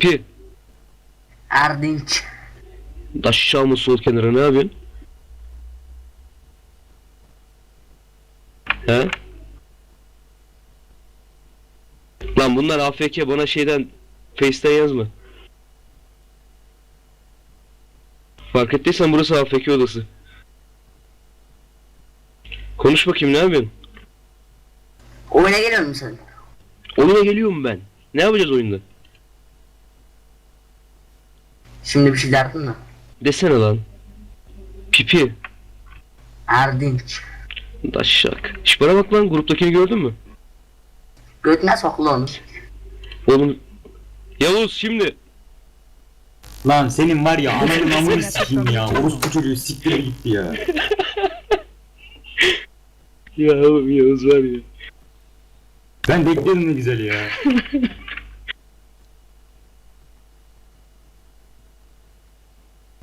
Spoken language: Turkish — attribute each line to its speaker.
Speaker 1: Pipi.
Speaker 2: Erdinç.
Speaker 1: Aşağı mı sol kenara ne yapıyorsun? He? Lan bunlar AFK, bana şeyden Face'ten yazma. Fark ettiysen burası AFK odası. Konuş bakayım, ne yapıyorsun?
Speaker 2: Oyuna geliyor musun?
Speaker 1: Oyuna geliyorum ben. Ne yapacağız oyunda?
Speaker 2: Şimdi bir şey derdin mi?
Speaker 1: Desene lan. Pipi.
Speaker 2: Erdinç.
Speaker 1: Daşşak. Şş, bana bak lan, gruptakini gördün mü?
Speaker 2: Götüne sokulu onu.
Speaker 1: Oğlum. Yavuz şimdi.
Speaker 3: Lan senin var ya ananın amını sikeyim ya. Orospu çocuğu siktir gitti ya.
Speaker 1: Ya oğlum, Yavuz var ya.
Speaker 3: Ben beklerim ne güzel ya.